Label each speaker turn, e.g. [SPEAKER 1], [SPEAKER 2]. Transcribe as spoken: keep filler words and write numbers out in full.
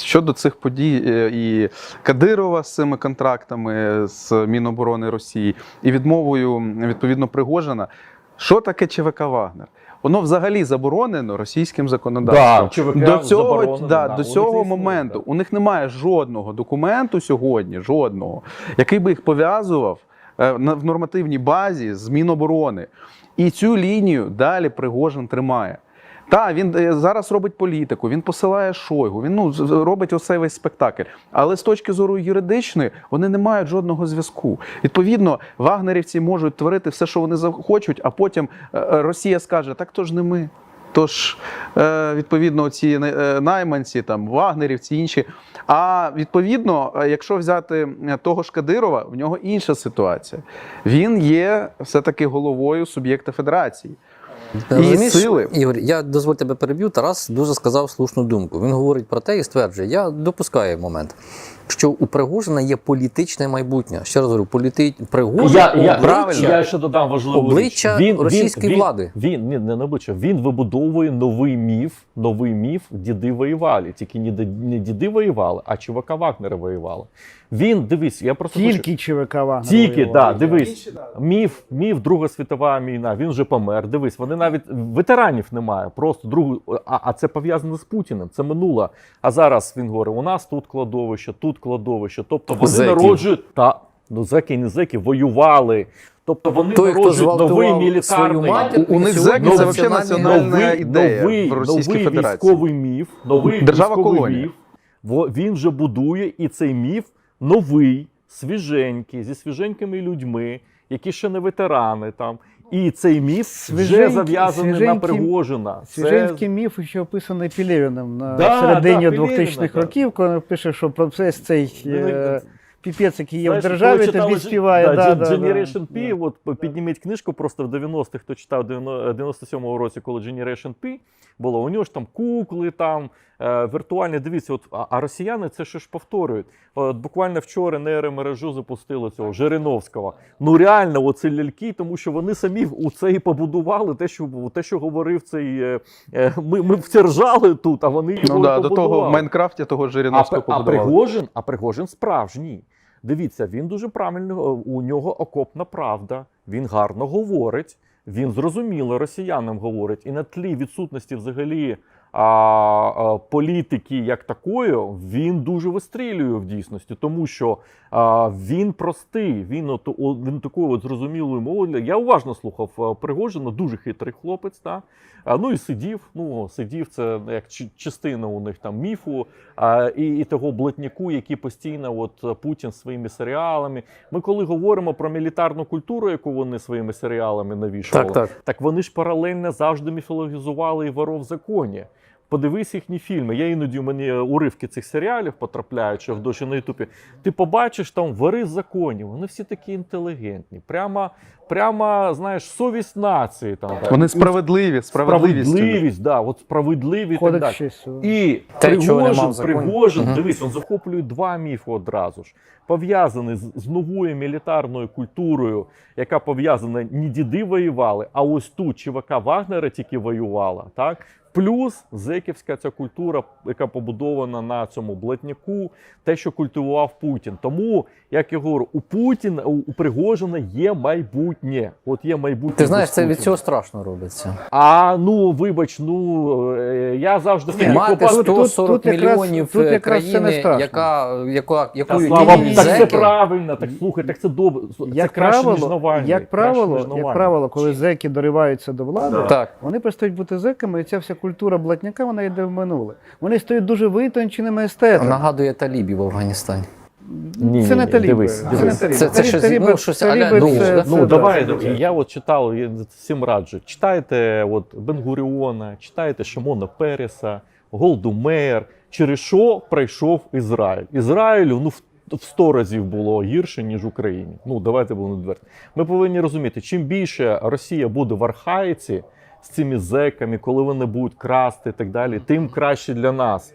[SPEAKER 1] Щодо цих подій і Кадирова з цими контрактами з Міноборони Росії, і відмовою, відповідно, Пригожина, що таке ЧВК «Вагнер»? Воно взагалі заборонено російським законодавством.
[SPEAKER 2] Да,
[SPEAKER 1] до цього,
[SPEAKER 2] да,
[SPEAKER 1] да,
[SPEAKER 2] да,
[SPEAKER 1] до цього
[SPEAKER 2] існує,
[SPEAKER 1] моменту
[SPEAKER 2] да.
[SPEAKER 1] у них немає жодного документу сьогодні, жодного, який би їх пов'язував в нормативній базі з Міноборони. І цю лінію далі Пригожин тримає. Так, він зараз робить політику, він посилає Шойгу, він ну, робить оцей весь спектакль. Але з точки зору юридичної вони не мають жодного зв'язку. Відповідно, вагнерівці можуть творити все, що вони захочуть, а потім Росія скаже, так то ж не ми. Тож, відповідно, ці найманці, там, вагнерівці, інші. А відповідно, якщо взяти того ж Кадирова, в нього інша ситуація. Він є все-таки головою суб'єкта федерації. І сили.
[SPEAKER 3] Ігор, я дозволь тебе переб'ю. Тарас дуже сказав слушну думку. Він говорить про те і стверджує, я допускаю момент, що у Пригожина є політичне майбутнє. Ще раз говорю, політи... Пригожин
[SPEAKER 2] я, я,
[SPEAKER 3] обличчя,
[SPEAKER 2] я ще додам важливу
[SPEAKER 3] обличчя
[SPEAKER 2] річ. Він,
[SPEAKER 3] російської
[SPEAKER 2] він,
[SPEAKER 3] влади.
[SPEAKER 2] Він, він, ні, не на обличчя, він вибудовує новий міф, новий міф, діди воювали. Тільки не, не діди воювали, а ЧВК Вагнера воювали. Він, дивись, я просто
[SPEAKER 4] Тільки
[SPEAKER 2] хочу...
[SPEAKER 4] ЧВК Вагнера.
[SPEAKER 2] Тільки, так, да, дивись, міф, міф, Друга світова війна, він вже помер, дивись, вони навіть, ветеранів немає, просто другу, а, а це пов'язано з Путіним, це минуло. А зараз він говорить, у нас тут кладовище, тут кладовище, тобто вони
[SPEAKER 3] Зеків.
[SPEAKER 2] народжують, та, ну зеки і не зеки, воювали. Тобто вони
[SPEAKER 3] Той,
[SPEAKER 2] народжують новий мілітарний,
[SPEAKER 3] свою матір,
[SPEAKER 1] У них зеки це взагалі національна ідея
[SPEAKER 2] новий,
[SPEAKER 1] в Російській
[SPEAKER 2] новий
[SPEAKER 1] Федерації.
[SPEAKER 2] військовий міф, новий
[SPEAKER 1] Держава
[SPEAKER 2] військовий
[SPEAKER 1] колонія.
[SPEAKER 2] міф, во- він вже будує, і цей міф новий, свіженький, зі свіженькими людьми, які ще не ветерани там. І цей міф вже
[SPEAKER 4] Свіженький-
[SPEAKER 2] зав'язаний на
[SPEAKER 4] свіженький-
[SPEAKER 2] Пригожина. Це-
[SPEAKER 4] Свіженський міф ще описаний Пілєвіним на
[SPEAKER 2] Да,
[SPEAKER 4] середині
[SPEAKER 2] да,
[SPEAKER 4] двохтисячних
[SPEAKER 2] Пілєвіна, да.
[SPEAKER 4] років, коли він пише, що процес цей
[SPEAKER 2] Він-
[SPEAKER 4] е, піпець, який є в
[SPEAKER 2] Знаєш,
[SPEAKER 4] державі,
[SPEAKER 2] коли
[SPEAKER 4] тобі
[SPEAKER 2] читали
[SPEAKER 4] співає.
[SPEAKER 2] да,
[SPEAKER 4] Да,
[SPEAKER 2] Gen-
[SPEAKER 4] да,
[SPEAKER 2] Generation
[SPEAKER 4] да.
[SPEAKER 2] P, от підніміть книжку просто в дев'яностих, хто читав дев'яносто сьомому році, коли Generation P було, у нього ж там кукли, там, е, віртуальні, дивіться, от, а, а росіяни це що ж повторюють. От, буквально вчора нейромережу запустили цього Жириновського. Ну реально, оце ляльки, тому що вони самі у це і побудували, те, що, те, що говорив цей, е, е, ми, ми в це ржали тут, а вони його
[SPEAKER 1] Ну да,
[SPEAKER 2] і
[SPEAKER 1] до
[SPEAKER 2] побудували.
[SPEAKER 1] того в Майнкрафті того
[SPEAKER 2] А,
[SPEAKER 1] Жириновського
[SPEAKER 2] а,
[SPEAKER 1] побудували.
[SPEAKER 2] Пригожин, а Пригожин справжній. Дивіться, він дуже правильно, у нього окопна правда, він гарно говорить, він зрозуміло росіянам говорить. І на тлі відсутності взагалі а, а, політики як такої, він дуже вистрілює в дійсності, тому що а, він простий, він, от, о, він такою от зрозумілою мовою. Я уважно слухав а, Пригожина, дуже хитрий хлопець, та? А, ну і сидів, ну сидів, це як чи- частина у них там міфу, а, і, і того блатняку, який постійно от Путін своїми серіалами. Ми коли говоримо про мілітарну культуру, яку вони своїми серіалами навішували,
[SPEAKER 3] Так, так.
[SPEAKER 2] так вони ж паралельно завжди міфологізували і «Воров в законі». Подивись їхні фільми. Я іноді, у мене уривки цих серіалів потрапляють, що в дощі на Ютубі. Ти побачиш там «Вори в законі». Вони всі такі інтелігентні. Прямо, прямо знаєш, совість нації. Там, так.
[SPEAKER 1] Вони справедливі, справедливість.
[SPEAKER 2] Справедливість, да, от справедливі і так
[SPEAKER 4] Кодекс
[SPEAKER 2] далі.
[SPEAKER 4] честі.
[SPEAKER 2] І
[SPEAKER 3] Те, чого нема
[SPEAKER 2] Пригожин,
[SPEAKER 3] в законі.
[SPEAKER 2] Пригожин,
[SPEAKER 3] Мгм.
[SPEAKER 2] дивись, він захоплює два міфи одразу ж. Пов'язаний з, з новою мілітарною культурою, яка пов'язана, не діди воювали, а ось тут ЧВК Вагнера тільки воювала, так? Плюс зеківська ця культура, яка побудована на цьому блатняку, те, що культивував Путін. Тому, як я говорю, у Путіна, у, у Пригожина є майбутнє. От є майбутнє.
[SPEAKER 3] Ти знаєш,
[SPEAKER 2] без
[SPEAKER 3] це від
[SPEAKER 2] Путіна.
[SPEAKER 3] цього страшно робиться.
[SPEAKER 2] А, ну, вибач, ну, е, я завжди...
[SPEAKER 3] Ні, мати
[SPEAKER 2] копав-
[SPEAKER 4] тут-
[SPEAKER 3] сто сорок
[SPEAKER 4] тут якраз-
[SPEAKER 3] мільйонів
[SPEAKER 4] тут
[SPEAKER 3] е,
[SPEAKER 4] якраз це не
[SPEAKER 3] країни,
[SPEAKER 4] страшно.
[SPEAKER 3] яка, яка,
[SPEAKER 2] Та,
[SPEAKER 3] якою
[SPEAKER 2] слава Богу,
[SPEAKER 3] імені
[SPEAKER 2] так це
[SPEAKER 3] зеки.
[SPEAKER 2] правильно, так слухай, так це добре. Це
[SPEAKER 4] Як
[SPEAKER 2] краще, ніж
[SPEAKER 4] правило,
[SPEAKER 2] Навальний.
[SPEAKER 4] як
[SPEAKER 2] краще,
[SPEAKER 4] правило,
[SPEAKER 2] ніж
[SPEAKER 4] як
[SPEAKER 2] Навальний.
[SPEAKER 4] правило, коли зеки дориваються до влади,
[SPEAKER 3] Так.
[SPEAKER 4] вони перестають бути зеками, і ця вся культура блатняка, вона йде в минуле. Вони стають дуже витонченими естетами.
[SPEAKER 3] Нагадує талібів в Афганістані.
[SPEAKER 2] Ні,
[SPEAKER 4] Це
[SPEAKER 2] ні,
[SPEAKER 4] не
[SPEAKER 2] ні,
[SPEAKER 4] таліби.
[SPEAKER 2] дивись,
[SPEAKER 4] Це не
[SPEAKER 2] дивись.
[SPEAKER 4] таліби.
[SPEAKER 3] Це- це
[SPEAKER 4] Таліб-
[SPEAKER 3] щось,
[SPEAKER 4] таліби-
[SPEAKER 3] ну, щось
[SPEAKER 4] таліби
[SPEAKER 3] а-ля друг,
[SPEAKER 4] це-
[SPEAKER 3] да?
[SPEAKER 4] це-
[SPEAKER 2] Ну,
[SPEAKER 4] да,
[SPEAKER 2] давай,
[SPEAKER 4] це-
[SPEAKER 2] давай. Я от читав, я всім раджу. Читайте от Бен-Гуріона, читайте Шимона Переса, Голду Меєр. Через що пройшов Ізраїль? Ізраїлю, ну, в в сто разів було гірше, ніж Україні. Ну, давайте будемо відверті. Ми повинні розуміти, чим більше Росія буде в архаїці з цими зеками, коли вони будуть красти і так далі, тим краще для нас.